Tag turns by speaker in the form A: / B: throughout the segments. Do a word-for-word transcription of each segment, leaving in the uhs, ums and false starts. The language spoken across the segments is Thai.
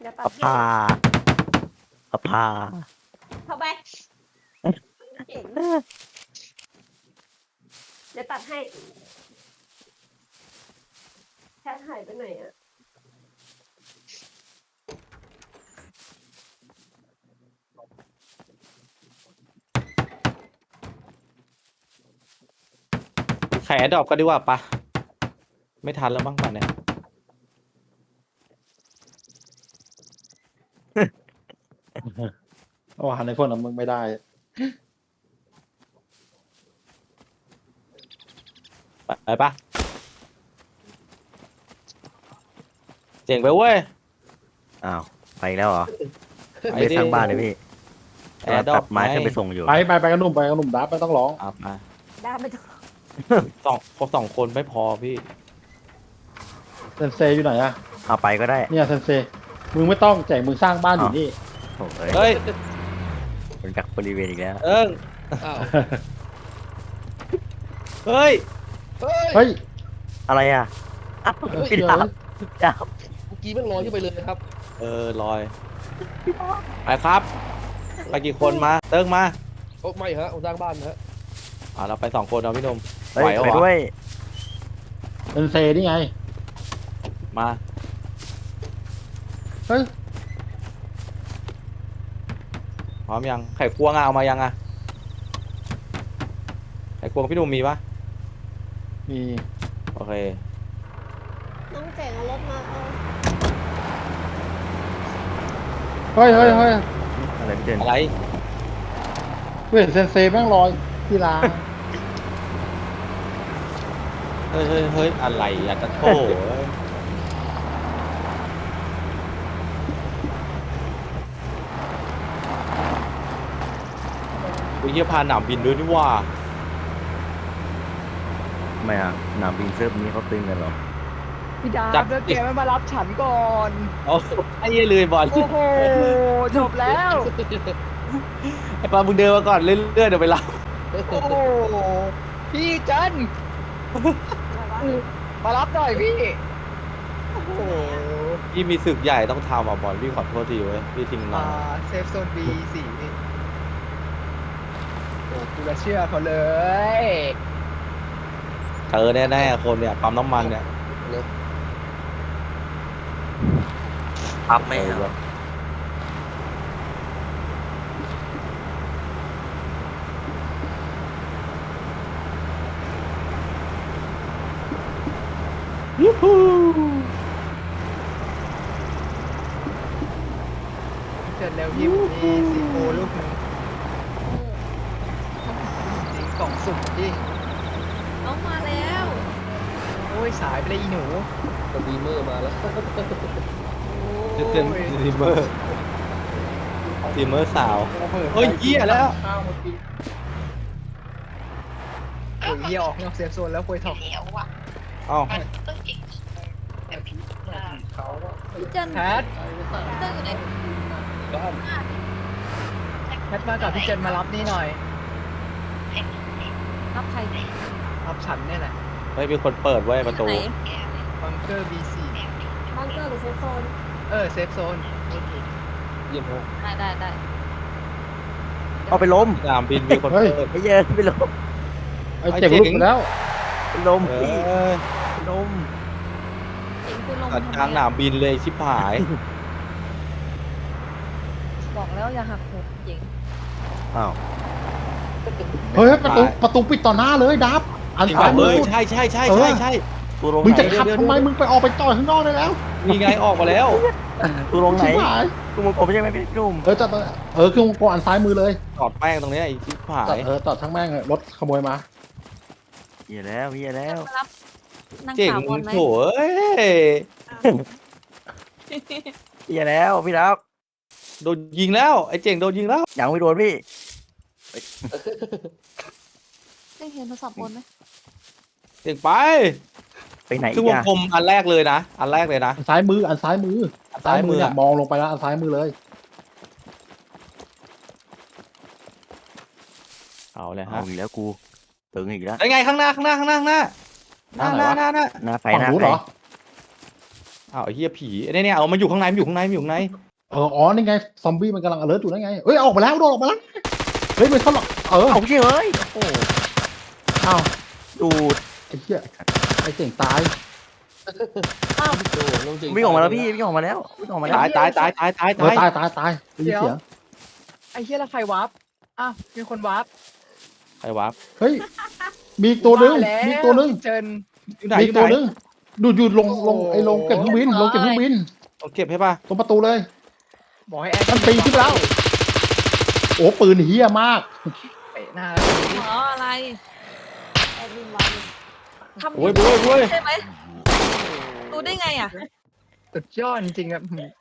A: จะตั
B: เอา
A: ด
B: ผ้าเอาผ้า
A: เข้าไปเก่งจะตัดให้แค่หายไปไหนอะ
C: แขดอกก็ดีกว่าปะไม่ทันแล้วบ้างป่ะเนี่ย
D: เอาหาในคนของมึงไม่ได้
C: ไปไปปะเจ๋งไปเว้ย
B: อ้าวไปอีกแล้วเหรอ
C: ไป
B: ไม่
C: ดิ
B: สร้างบ้านเลยพี่
C: แอร์ดรอ
B: ตั
C: ป
B: ดไม้ขึ้นไปส่งอยู่
D: ไปไปไปกันหนุ่มไปกันหนุ่มดับไม่ต้องร้อง
C: อ่ะมา
A: ได้ไม่ต้อง
C: สองครบสองคนไม่พอพี่
D: เซนเซอยู่ไหนอะ
B: เอาไปก็ได้
D: เนี่ยเซนเซมึงไม่ต้องแจกมึงสร้างบ้านอยู่นี่
B: โอ้ย
C: เฮ้ย
B: เป็นกักบริเวณอีกแล้ว
C: เอิง
E: อ้าว
C: เฮ้ย
E: เฮ้ย
D: เฮ้ย
B: อะไรอ่ะอ้าว
D: เฮ้ย
B: พี่
D: เดี๋ยว
B: ดาบดาบ
E: เมื่อกี้มันลอยขึ้นไปเลยนะครับ
C: เออลอยไปครับไปกี่คนมาเติ้งมา
E: โอ้ไม่ฮะผมสร้างบ้านนะฮะ
C: อ่าเราไปสองคนเอาพี่หนม
B: เฮ้ย
C: ไหวเหรอ
B: ไปด้วย
D: เซนเซนี่ไง
C: มา
D: เฮ้ย
C: พร้อมยังไข่ควงอะเอามายังอะไข่ควงพี่หนุ่มมีปะ
D: มี
C: โอเค
A: น้องเจ๋งเอารถมาเอา
D: เฮ้ยเฮ้ยเฮ้ย
B: อะไรพี่เจน
C: อะไร
D: เฮ้ยเซนเซแม่งลอยที่ร้าน
C: เฮ้ยเฮ้ยเฮ้ยอะไรอะจะโถเอ้ยกูเยี่ยพาหนามบินด้วยนี่ว่า
B: ทำไมอ่ะหนามบินเซิร์ฟนี้เขาตึงกันเหรอ
F: พี่ดา
C: จั
F: บบ แล้วแกไม่มารับฉันก่อน
C: เอาไอ้เหี้ยเลยบอล
F: โอ้โห จบแล้ว
C: ไอ้ปลามึงเดินมาก่อนเรื่อยๆเดี๋ยวไปรับ
F: โอ้โห พี่จัน
A: อะไรวะ
F: มารับหน่อยพี่ โอ้โห
C: พี่มีศึกใหญ่ต้องทำอ่ะบอลพี่ขอโทษทีเว้ยพี่ทิ้งน้
F: อ่า
C: อง
F: เซฟโซน บี สี่นี่โอ้กูจะเชื่อเขาเลย
C: เจอแน่ๆคนเนี่ยปั๊มน้ำมันเนี่ย
E: เร็ว
B: ปั๊บไม่
C: เอ
B: เหร
C: อ
B: อ
C: ยูฮู
F: เจิดเร็วพี่ผมมีซีโอลูกหนึงจริงกล่องสุ่มพี่
A: น้องมาแล้ว
F: โอ้ยสายไปเลยอีหนู
E: สตรีมเมอร์มาแล้ว
C: จะเต้นสตรีมเมอร์สตรีมเมอร์สาว เฮ้ยเหี้ยแล้ว
D: ข้าวมากิน
F: โอ้ยเหี้ยออกนอกเซฟโซนแล้วคุยทอง
C: เอ้า
A: พี่เจัน
F: แพท
A: เติ้งอยู่ไหน
E: บ้าน
F: แพทมากับพี่เจนมารับนี่หน่อย
A: รับใคร
F: รับฉันเนี่ยแหละ
C: เฮ้ยมีคนเปิดไว้ยประตู
A: ไหน
F: บังเกอร์ บี สี่
A: บังเกอร์หรือเซฟโซน
F: เออเซฟโซน
E: เยี่ยมฮะ
A: ได้ได้ได้
B: เอาไปล้ม
C: สนามบินมีคนเปิด
B: ไอ้เหี้ยไปล้ม
D: ไอ้เจ็บลูกไปแล้ว
B: ไปล้ม
C: เอ
B: พี่
C: อ
B: ไปล้ม
A: เจ๋งคุณลง
C: ตัด
A: ทำไม
C: ทางสนามบินเลยชิบหาย
A: บอกแล้วอย่าหักโหมเจ๋ง
B: อ้าว
D: เฮ้ยประตูประตูปิดต่อหน้าเลยดับอัน
C: จริง
D: ซ้าย
C: ป่ะ
D: มื
C: เอ้
D: อย
C: ใช่ใช่ใช่
D: เออ
C: ใช่ใช่
B: ตัวลง
D: มึง
B: ไหน
D: จะขับทำไมมึงไปออกไปจอดข้างนอกได้แล้ว
C: มีไงออกมาแล้ว
B: ตัวลงไหน
D: ชิบหาย
B: ตัวมงกลมใช่ไหมพี่หนุ่ม
D: เออจอดตรงเออคือวงกลมอันซ้ายมือเลย
C: จอดแป้งตรงเนี้ยไอ้ชิบหา
D: จอด
C: ย
D: เออจอดทั้งแม่งเลยรถขโมยมา
B: เหี้ยแล้วเหี้ยแล้ว
A: มารับนาง
C: เจ๋ง
A: สาวบอลไหม
C: โถเอ้ย
B: เหี้ยแล้วพี่ดับ
C: โดนยิงแล้วไอ้เจ๋งโดนยิงแล้ว
B: ยังไม่โดนพี่
A: ได้เห็นโทรศัพท์บอลไหม
C: เจ๋งไป
B: ไปไหน
C: คื
B: อี
C: อก วง
B: อ่ะ
C: กลมอันแรกเลยนะ อันแรกเลยนะ
D: อันซ้ายมืออันซ้ายมือ
C: อันซ้ายมือ
D: เนี่ย
C: อะ
D: มองลงไปแล้วอันซ้ายมือเลย
C: เอาเลย
B: เอา
C: ฮะ
B: อีกแล้วกูตึงอีกแล้ว
C: ไอ้ไงข้างหน้าข้างหน้าข้างหน้าข้างหน้าหน้าหน้าหน้าหน้า
B: หน้าไฟ
D: ฝั่ง
B: หน้า
D: นู้น
B: ไฟ
D: เหรอ
C: อ้าวไอ้เหี้ยผีเนี่ยเนี่ยเอามาอยู่ข้างในมันอยู่ข้างในมันอยู่ข้างใน
D: เอออ๋อนี่ไงซอมบี้มันกำลัง alert อยู่นั่นไงเอ้ยออกมาแล้วโดนออกมาแล้วเฮ้ยมันเข้าหรอกเออ
B: เอาเฉยโอ้โห
D: อ้าว
B: ดูด
D: ไอ้เหี้ยไอ้เจ๋งตาย
A: อ้าว
E: โอ้โหน้องจริง
B: วิ่งออกมาแล้วพี่วิ่งออกมาแล้ววิ่งออกมาแล้ว
C: ตายตายตายตายตาย
D: เออ
C: ตาย
D: ตายตายตายได้ยินเสียง
F: ไอ้เฮียแล้วใครวาร์ปอ้าวมีคนวาร์ป
C: ใครวะ
D: เฮ้ยมีอีกตัวหนึง
F: ว่าแล้ว
D: มีอีกตัวหนึง
F: พี่เจิน
C: อยู่ไหน
D: มี
C: อ
D: อีก
C: ยู่ไห
D: ตัวน หนึงดูอยู่ลงลงไอ้ลงเก็บเครื่องบินลงเก็บเครื่องบิน
C: เอาเก็บให้ป่ะ
D: ตรงประตูเลย
F: บอกให้แอด
D: มันปีนขึ้นไปแล้ว โอ้ปืนเฮี้ยมาก
F: เตะหน้า
A: หมออะไรแอดมินวันทำ
C: โอ้ยโอ้ยโอ้ย
A: ใช่ไหมรู้ได้ไงอ่ะ
F: สุดยอดจริงๆครับอืม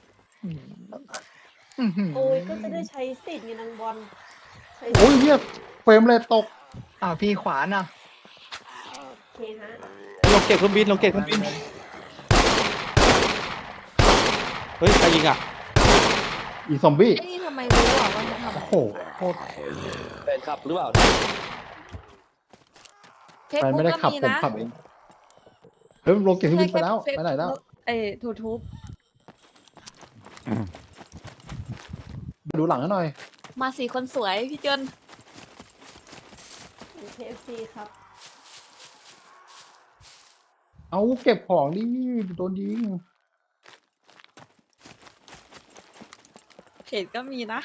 F: อืม
A: โอ้ยก็จะได้ใช้สิทธิ์ไงนางบอลใช้
D: โอ้ยเฮี้ยเฟรมเลยตก
F: อ้าวพี่ขวานอ่ะ
A: โอเคฮะ
C: เราเก็บเครื่องบินเราเก็บเครื่องบินเฮ้ยใครยิงอ่ะ
D: อีซอมบี้
A: ไอ้นี่ทำไมรู้อ่ะว่าจะท
D: โอ้โหโคตร
E: แฟนคลับหรือเปล่า
A: ำเฟซ
D: แฟน
A: บุ๊
D: ไม่
A: ก
D: ได้
A: ก็
D: ขับ
A: มี
D: ผม
A: นะ
D: ขับเองเฮ้ยลงเก็บเครื่องบินไปแล้ว
A: ใช่
D: ไปไหนแล้ว
A: เอ้ทูทูบ
D: มาดูหลังให้หน่อย
A: มาสี่คนสวยพี่เจินเคเอฟซีครับ
D: เอาเก็บของดิโดนยิง
A: เพจก็มีนะ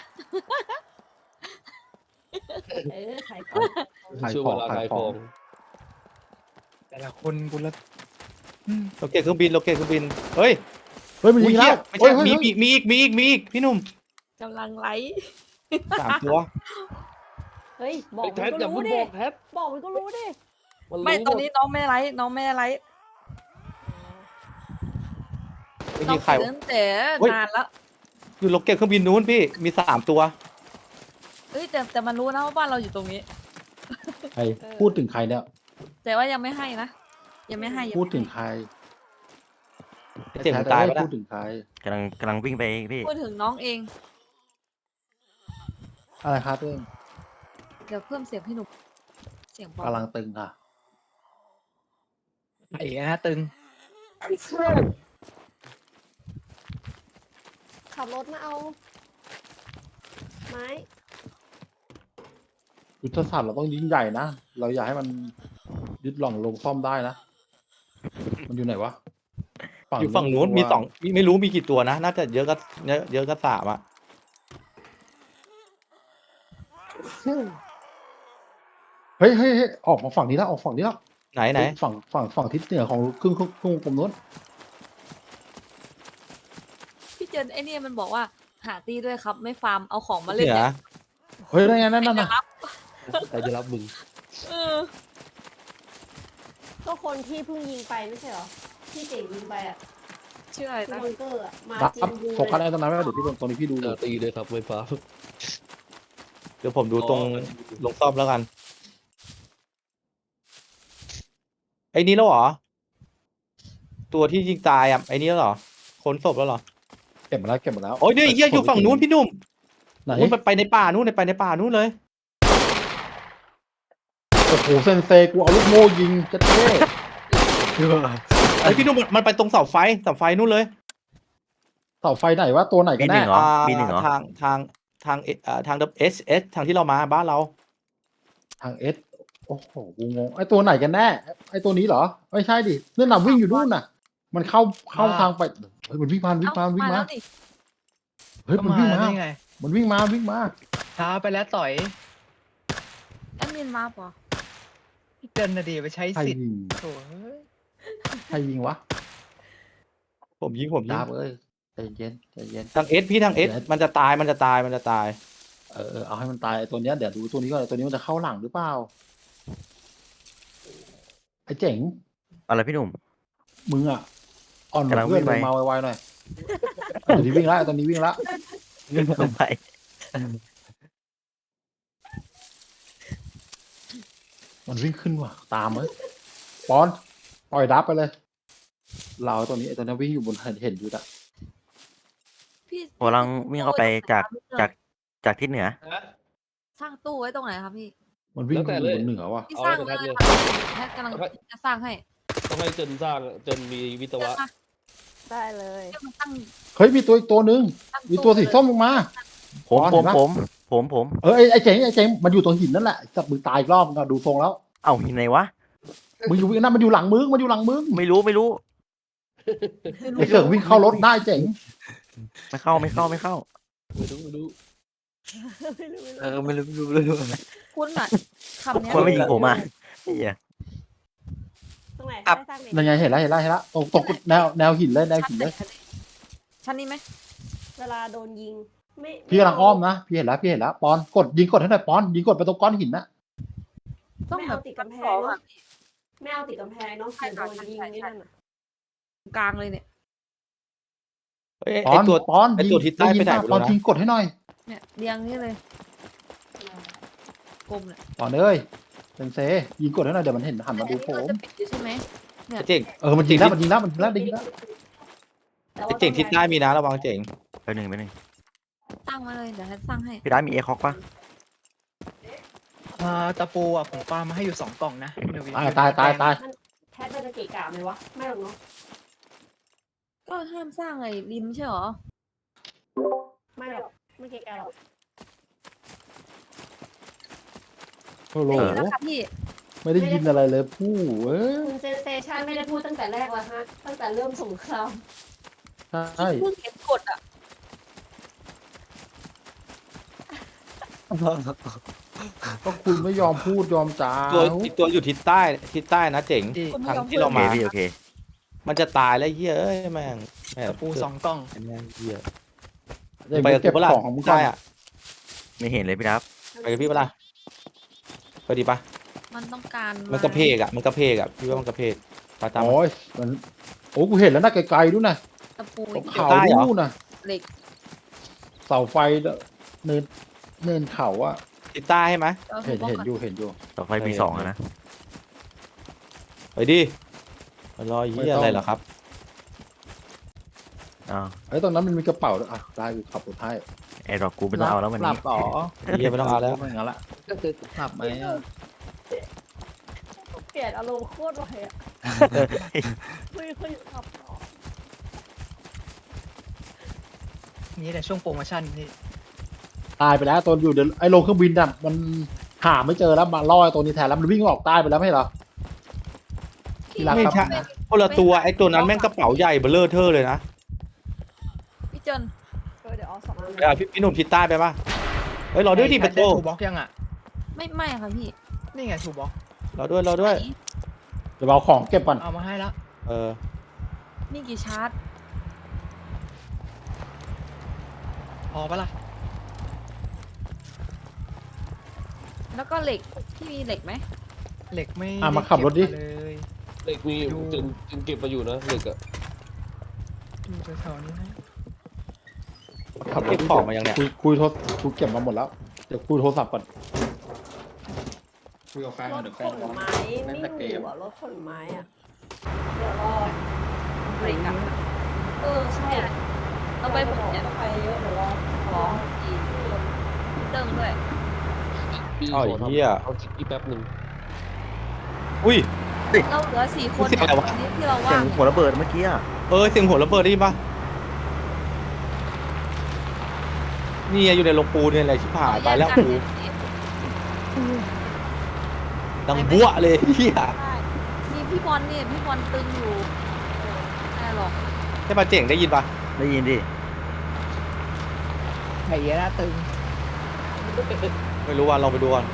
A: เออขายของ
D: ขาย
E: ช่วง
D: ข
E: เว
D: อง
E: ลา
D: ขา
E: ขาย ย
D: ข
E: ข
D: อ
E: อง ง
F: แต่ละคนกูละอืม
C: เราเก็บเครื่องบินเราเก็บเครื่องบินเฮ้ย
D: เฮ้ยมัน
C: อุ้
D: ยิ
C: ย
D: ง
C: เหี้
D: แล้
C: ยว ไม่
D: เฮ้
C: ใช่
D: ยเฮ้ย
C: มี
D: เฮ้ย
C: มีมีอีกมีอีกมีอีกพี่หนุ่ม
A: กำลังไลฟ์
C: สามตัว
A: เฮ้ย บอก
E: ไอ้
A: มั
E: แท็
A: น
E: บ
A: ก็
E: อย่า
A: รู้
E: เพิ่ง
A: ดิ
E: บอกแท็บ
A: บอกมันก็รู้ดิ
E: มันรู้
A: ไม่
E: ห
A: ตอนนี้น้องไม่ได้ไลฟ์น้องไม่ได้ไลฟ์
C: ไม่
A: น้อ
C: มี
A: ง
C: ใคร
A: เสียตั้งแต่
C: เฮ้ย
A: นานแล้ว
C: อยู่เราเก็บเครื่องบินนู้นพี่มีสามตัว
A: เอ้ยแต่แต่มันรู้นะว่าบ้านเราอยู่ตรงนี้
D: ใครพูดถึงใครเนี่ย
A: แต่ว่ายังไม่ให้นะ ยังไม่ให้ยัง
D: พูด
A: ไม่
D: ถึง
A: ให้
D: ใคร
C: เจ๋งตายไป
D: แท้ๆ
C: แล้ว
D: พูดถึงใคร
B: กำลังกำลังวิ่งไปพี่
A: พูดถึงน้องเอง
D: อะไรครับเอง
A: เดี๋ยวเพิ่มเสียงพี่หนุ่มเสียงเบาก
D: ำลังตึงค่ะ
F: ไอ้นะตึง
A: ขับรถมาเอาไม้
D: ยุทธศาสตร์เราต้องยิ่งใหญ่นะ เราอยากให้มันยึดหล่องลงซ่อมได้นะ มันอยู่ไหนวะ
C: อยู่ฝั่งนู้นมีสองมีไม่รู้มีกี่ตัวนะน่าจะเยอะก็เยอะเยอะก็สามอ่ะ
D: เฮ้ยเฮ้ยเฮ้ยออกมาฝั่งนี้แล้วออกฝั่งนี้แล้ว
C: ไหนไหน
D: ฝั่งฝั่งฝั่งทิศเหนือของครึ่งครึ่งครึ่งวงกลมนู้น
A: พี่เจนไอ้เนี่ยมันบอกว่าหาตีด้วยครับ ไม่ฟาร์มเอาของมา
C: เห
A: เล่น
C: นือ
A: เนี่ย
D: เฮ้ยนั่นไงนั่นนั่น
A: จะ
D: น่ะ
A: รับ
E: ใครจะรับมึง
A: เออก็คนที่เพิ่งยิงไปไม่ใช่เหรอที่เจ๋งยิงไปอ่ะชื่ออะไรนะบังเกอร์อะมา
D: รับ
A: จริงบู
D: โฟกัสอะไรตรงนั้นไว้เดี๋ยวพี่ตรงนี้พี่ดู
E: เออตีเลยครับไฟฟ้า
C: เดี๋ยวผมดูตรงลงซ่อมแล้วกันไอ้นี้แล้วเหรอตัวที่ยิงตายอ่ะไอ้นี้แล้วเหรอค้นศพแล้วเหรอ
D: เก็บมาแล้วเก็บมาแล้ว
C: โอ้ยเนี่ยไอ้เฮียอยู่ฝั่งนู้นพี่หนุ่ม
D: ไหน
C: นู้นไปไปในป่านู้นไปในป่านู้นเลย
D: โอ้โหเซนเซกูเอาลูกโม่ยิงจะเท่
C: ไอ้พี่หนุ่มมันมันไปตรงเสาไฟเสาไฟนู้นเลย
D: เสาไฟไหนวะตัวไหน
B: บี
D: กัน
B: หนึ่
D: แน่
B: งเหรอ
C: อ่า
B: บีหนึ่งเหรอ
C: ทางทางทางเอ่อทางเอสเอสทางที่เรามาบ้านเรา
D: ทางเอสโอ้โหกูงงไอตัวไหนกันแน่ไอตัวนี้เหรอไม่ใช่ดินั่นน่ะวิ่งอยู่นู่นน่ะ มันเข้าเข้าทางไปเฮ้ยมันวิ่งมาวิ่ง
A: เอ้า
D: มาวิ่ง
A: มา
D: มา
A: แล้วนี่
D: เฮ้ย
F: ก็
D: มัน
F: มา
D: วิ่งมา
F: ได้ไง
D: มันวิ่งมาวิ่งมา
F: ช้าไปแล้วต่อย
A: แอดมินมาปะ
F: พี่เจินนะดีไปใช้
D: ใคร
F: สิทธิ์
D: ยิง
F: โถ่เอ้ย
D: ใครยิงวะ
C: ผมยิงผมยิ
D: ดาง บเอ้ยใจเย็นใจเย็น
C: ทางเอสพี่ทางเอส
D: เดี๋ยว
C: มันจะตายมันจะตายมันจะตาย
D: เออเออเอาให้มันตายไอตัวเนี้ยเดี๋ยวดูตัวนี้ก่อนไอ้ตัวนี้มันจะเข้าหลังหรือเปล่าไอเจ๋ง
B: อะไรพี่หนุ่ม
D: มึงอ่ะอ่อนก
B: กำลั
D: ว่าง เพื่อน
B: วิ่งไป
D: ลงมาไวๆหน่อยตัวนี้วิ่งละไอ้ตัวนี้วิ่งละ
B: ลงไป
D: มันวิ่งขึ้นว่ะตามเลยปอนปล่อยดับไปเลย เราไอ้ตัวนี้ไอ้ตัวนี้วิ่งอยู่บนเห็นเห็นอยู่อะ
A: พี่
B: ผมกำลังวิ่งเข้าไปจากจากจากทิศเหนือ
A: สร้างตู้ไว้ตรงไหนครับพี่
D: มันวิ่งอยู่บนเหนือว่ะ
A: พี่
E: เอา
A: สร้าง
E: ไว้
A: เล
E: ตรง
A: ย
E: นั้นเลย
A: ค่ะแพทย์กำลังจะสร้างให้
E: ต้องให้เจนสร้างเจนมีวิศ
A: เจน
E: วะ
A: มาได้เลย
F: มันตั้ง
D: เฮ้ยมีตัวอีกตัวหนึ่ง
F: ตั้ง
D: มีตัวสีส้มลงมา
B: ผม
D: อ๋อ
B: ผ
D: เห็
B: ม
D: นปะ
B: ผมผมผม
D: เออไอ้ไอ้เจ๋งไอ้เจ๋งมันอยู่ตรงหินนั่นแหละจับมือตายอีกรอบก็ดูทรงแล้ว
B: เอ้าหินไหนวะ
D: มึงอยู่นั่นมันอยู่หลังมึงมันอยู่หลังมึง
B: ไม่รู้ไม่รู้
D: ไอ้เสือกวิ่งเข้ารถได้เจ๋ง
B: ไม่เข้าไม่เข้าไม่เข้า
E: ไม่รู้ไม่รู้
C: เออไม่รู้ไม่รู้ไม่รู้
F: คุณอ่ะคำเนี้ย
B: คนไม่ยิงผมอ่ะเหี้ย
A: ตรงไหน
C: ครับ
A: ได้สร้างเด็ก
D: ยังไงเห็นแล้วเห็นแล้วเห็นแล้วตรงตรงแนวแนวหินเลยแนวหินเลย
F: ชั้นนี้ไหม
A: เวลาโดนยิงไม่
D: พี่กำลังอ้อมนะพี่เห็นแล้วพี่เห็นแล้วปอนกดยิงกดให้หน่อยปอนยิงกดไปตรงก้อนหินนะ
F: ต้อง
A: ไม่
F: แบ
A: เอา
F: บ
A: ติดกำแพ
F: สอง ง
A: เนาะ
F: อ่ะ
A: ไม่เอาติดกำแพงเนาะเดี๋ยวโดนยิงนี่นั่นน่ะ
F: กลางเลยเนี่ย
C: เอ้ย
D: ปอ
C: ไอ้
D: น
C: ตัว
D: ปอน
C: ไอ้ตัวทิศใต้ไปไหน
D: ด้ยิ
C: ไม่รู้
D: ปอน
C: นะ
D: ยิงกดให้หน่อย
F: เนี่ยเรียงนี่เลยกลมเนี่ย
D: ปอนเอ้ยเป็นเซยิงกดให้หน่อยเดี๋ยวมันเห็นหันมาดู
F: อัน
D: ผ
F: นี้
D: ม
F: เราจะปิดอยู่ใช่ไหม
C: ไอ้เจ๋ง
D: เออมันยิงแล้วมันยิงแล้วมันยิงแล้วยิงแล้ว
A: แต่
C: ไอ้
A: ว่า
C: เจ๋งทิศใต้มีนะระวังเจ๋ง
B: ไปหนึ่งไปหนึ่ง
F: ตั้งมาเลยเดี๋ยวให้ตั้งให้
B: พี่ได้มีเอคอกปะ
F: อ่าตะปูอ่ะผมปามาให้อยู่สองกล่องนะพี่หนุ่ม
D: ตายตายตายตาย
A: แพทมันจะเกะกะไหมวะไม่หรอกเนาะ
F: ก็ห้ามสร้างไอ้ริมใช่หรอ
A: ไม่หรอกไม่เกะกะหรอก
D: โอ้โห
F: ได้ยินแล้วค่ะพี่
D: ไม่ได้ยินอะไรเลยผู้เอ้ย
A: คุณเซนเซชันไม่ได้พูดตั้งแต่แรกแล้วฮะตั้งแต่เริ่มสงคราม
D: ใช่
F: เพิ่งเห็นกดอ่ะ
D: ก็คุณไม่ยอมพูดยอมจา
C: ตัวอีกตัวอยู่ทิศใต้ทิศใต้นะเจ๋ง
F: คุณ
C: ทาง
F: ไม่ยอม
C: ที่
F: พูด
C: เรา
B: โอเค
C: มา
B: พี่โอเค
C: มันจะตายแล้วเหี้ยเอ้ยแม่งแม่ง
F: ปูสองกล่อง
C: แม่งเหี้ย
D: เดี๋ยว
C: ไปกับ
D: เก็บ
C: กูเปะล่า
D: ของของมึงก่อ
C: ใช่
D: น
C: อ่ะ
B: ไม่เห็นเลยพี่ดับ
C: ไปกับพี่เปะล่าไปดีปะ
F: มันต้องการ
C: มันกระเพกอ่ะมันกระเพกอ่ะพี่ว่ามันกระเพกไปตามมัน
D: โอ้ยมันโอ้กูเห็นแล้วนะไกลๆด้วยนะ
F: ตะปู
D: ตรง
F: อีก
D: เขา
C: ใต้เหรอ
D: นู่นนะ
F: เหล็ก
D: เสาไฟเนินเนินเขาอะ
C: ทิศใต้ใช่ไหม
F: เอา
D: เห็น
F: บล็อก
D: เห็น
F: ก่อน
D: อยู่เห็นอยู่
B: ต่อไฟมีสองอะนะ
C: ไปดิมารอเหี้ยอะไรเหรอครับ
B: อ้าว
D: ไอ้ยตรงนั้นมันมีกระเป๋าด้วยอ่ะได้กูขับรถให้
B: แอร์ดรอปกูไม่ต้องเอาแล้ววัน
D: หลั
B: นี้
D: บต่อ
C: เหี้ยไม่ต้องเอาแล้ว
D: ไม่งั้นละ
E: ก็คือ
D: หลับไหมอะ
A: เปลี่ยนอารมณ์โคตรไวอะไม่ค่อยขับต่อ
F: นี่แต่ช่วงโปรโมชั่นนี่
D: ตายไปแล้วตัวอยู่เดี๋ยวไอ้โรงเครื่องบินน่ะมันหาไม่เจอแล้วมาล่อไอ้ตัวนี้แทนแล้วมันวิ่งออกใต้ไปแล้วไม่ใช่เหรอ ที่รัก
C: ไม่
D: ครับ
C: ใช่คนละตัวไอ้ตัวนั้นแม่งกระเป๋าใหญ่เบลเลอร์เทอร์เลยนะ
F: พี่เจน
A: เออเดี๋ยวเอาสองอัน
C: ไปเอาพี่พี่หนุ่มทิศใต้ไปปะเฮ้ยรอด้วยดิเปโต
G: ถูกบล็อกยังอ่ะ
F: ไม่ไม่ค่ะพี่
G: นี่ไงถูกบล็อก
C: รอด้วยรอด้วย
F: ไหน
D: เดี๋ยวเอาของเก็บก่อน
G: เอามาให้แล้ว
C: เออ
F: นี่กี่ชาร์จ
G: พอปะล่ะ
F: แล้วก็เหล็กพี่มีเหล็กไหม
G: เหล็กไม่
D: อ่ะมาขับรถดิ
G: เก็มาเลย
E: เหล็กมี
G: อยู่
E: จึงจึงเก็บมาอยู่นะเหล็กอะ
G: อยู่แถวๆนี้นะ
D: ขับร
C: เก็
D: ถ
C: บของมายังเนี่ย
D: คุยคุยโทรคุยเก็บมาหมดแล้วเดี๋ยวคุยโทรศัพท์ก่อนคุยกับแฟน
A: ร
D: ก่อน
A: ถ
D: เดี๋ยว
A: ข
D: แฟน
A: น
D: ร้อง
A: ไม้
D: เล่นแต่เก
A: ไม่อ
D: ม
A: ยู่อะรถขนไม้อะเดี๋ยวรอ
F: เหล็กอะ
A: เออใช่อะ
F: เอาไปผมเนี่ย
A: ไปเยอะเดี๋ยวรอ
F: สองสี่เติมด้วย
E: พี่
C: อ้าว
E: ข
C: ไอ้
E: ทำ
C: เหี้ย
E: เอาจิกอีกแป๊บหนึ่ง
C: อุ้ย
F: เราเหลือสี่คน
C: เสียงอะไรวะ
F: นี่ที่เรา
B: เสีย
F: ว่าง ง
B: หัวระเบิดเมื่อกี้อะ
C: เออเสียงหัวระเบิดได้ยินปะนี่อยู่ในโรงปูนเนี่ยอะไรชิบหายไปแล้วกูดังบัวเลยเหี้ย
F: นี่พี่บอลเนี่ยพี่บอลตึงอยู่ไม่หรอก
C: ใช่ปะเจ๋งได้ยินปะ
B: ได้ยินดิ
G: ไข่เหี้ยนะตึง
C: ไม่รู้ว่าลองไปดูก่อน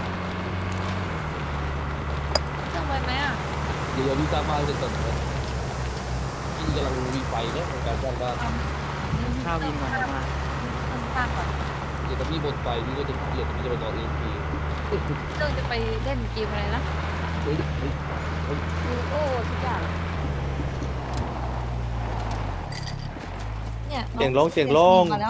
F: เครื่องไว้ไหมอ่ะ
E: เดี๋ยวพี่สร้างบ้านเสร็จก่อนนะพี่กำลังมีไฟเนี่ยในการสร้างบ้าน
G: ข้าววินก่อนนะมา
F: เครื่องสร้างก่อน
E: เดี๋ยวถ้าพี่หมดไฟพี่ก็จะเกลียดพี่จะไปนอนเองพี่
F: เรื่องจะไปเล่นเกมอะไรนะ
E: เฮ้ยเฮ้ย
A: มีโอ้ทุกอย่าง
F: เนี่ย
C: เสียงลงเสียงลง
F: มาแล้ว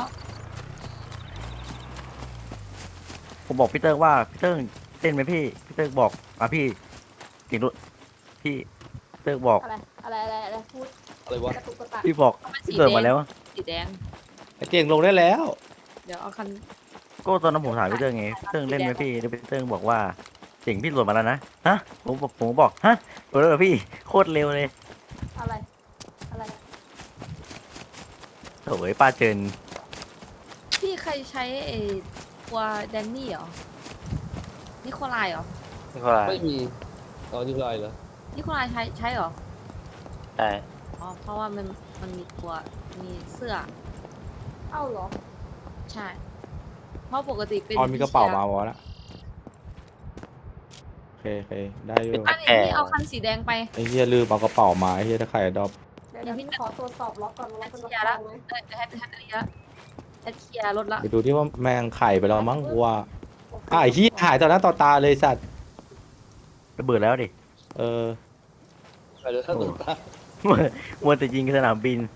B: ผมบอกพี่เติ้งว่าพี่เติ้งเต้นไหมพี่พี่เติ้งบอกอ่ะพี่จริงด้วยพี่เติ้งบอก
A: อะไรอะไรอะไรอะไรพูด
E: อะไรวะ
A: กระตุกกระตัก
B: พี่บอก
F: เอาเป็น
B: พี่
F: สี
B: เติ้ง
F: แด
B: มาง แล้ว
F: สีแดง
C: ไอ้เจ๋งลงได้แล้ว
F: เดี๋ยวเอาคัน
B: ก็ตอนนั้นผมถามพี่เติ้งไงพี่เติ้งเล่นไหมพี่แล้วพี่เติ้งบอกว่าเจ๋งพี่โหลดมาแล้วนะฮะผมบอกผมบอกฮะโหลดแล้วเหรอพี่โคตรเร็วเลย
A: อะไรอะไร
B: โถ่ไอ้ป้าเจิน
F: พี่ใครใช้ไอ้ตัวแดนนี่เหรอนิโคลายเหรอ
C: นี่ก็อะไร
E: ไม่มีตอนนี้ไรเหรอ
F: นิโคลายใช้ใช้เหรอ
C: ใช่
F: อ๋อเพราะว่ามันมันมีตัวมีเสื้อ
A: เอ้าเหรอ
F: ใช่ เพราะปกติเป็น
C: ออนมีกระเป๋ามาวะละโอเคโอเคได้อยู่
F: อันนี้พี่เอาคันสีแดงไป
C: ไอ้เหี้ยลืมเอากระเป๋ามาไอ้เหี้ยถ้าใครดรอป
A: เดี๋ยวเดี๋ยวพี่ขอตรวจสอบล็อกก่อนว่า
F: แอ
A: ล็อ
F: ด
A: กเป็น
F: เค
A: ล็อก
F: ลียร์ละ
A: ไหม
F: เออแอดแอดอันนี้ละแอดเคลียร์รถละ
C: ไปดูที่ว่าแมงไข่ไปแล้วมั้งกูว่าอ่ะไอ้เหี้ยหายต่อหน้าต่อตาเลยสัตว์
B: ระเบิดแล้วดิ
C: เออ
E: ไปเดี๋ยวถ้าตกตา
B: มัวมัวแต่ยิงสนามบิน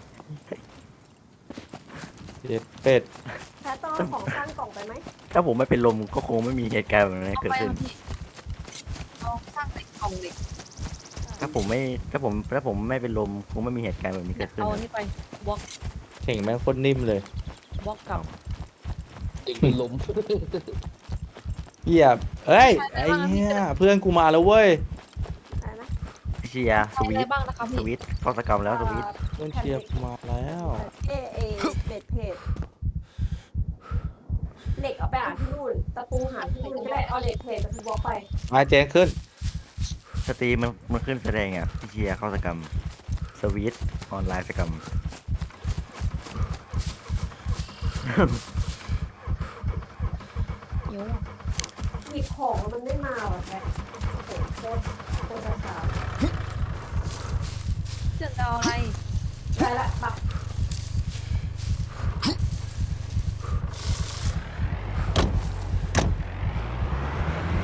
C: เจ็ดเป็ด
A: แพทต้องเอาของสร้างกล่องไปไหม
B: ถ้าผมไม่เป็นลมก็คงไม่มีเหตุการณ์แบบนี้
F: เอา
B: เกิด
F: ไป
B: ขึ้น
F: ค่ะพี่เอาสร้างเหล็กกล่องเหล็ก
B: ถ้าผมไม่ถ้าผมถ้าผมไม่เป็นลมคงไม่มีเหตุการณ์แบบนี้เกิดขึ้น
F: เอา
B: นะ
F: นี่ไปบล็อก
C: เข่งแม่งโคตรนิ่มเลย
F: บล็อกกับ
E: เด็กเป็นลม
C: เหี้ยเอ้ยไอ้เหี้ยเพื่อนกูมาแล้วเว้ย
A: อะไรนะ
B: เชียร์ส
F: ใช้
B: วิ
F: อะไร
B: ต
F: บ้างนะคะ
B: ส
F: พี่
B: วิตเข้าสกรรมแล้วสวิต
C: เพื่อนเชียร์กูมาแล้ว
A: เอเอเบ็ดเพจเหล็กเอาไปหาที่นู่นตะปูหาที่นู่นก็ได้เอาเหล็กเพจตะปูบล็อกไป
C: มาเจนขึ้น
B: สตรีมมันมันขึ้นแสดงอ่ะพี่เชียร์เข้าสกรรมสวิตออนไลน์สกรรม
F: เดี๋ยว
A: หยิบของแล้วมันไม่มาว่ะแพทโอ้โหโคตรโคตรช้า
F: เจะเอาอะไร
A: ได้ละปัก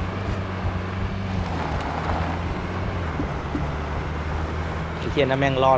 C: ไอ้เทียนนั่นแม่งรอด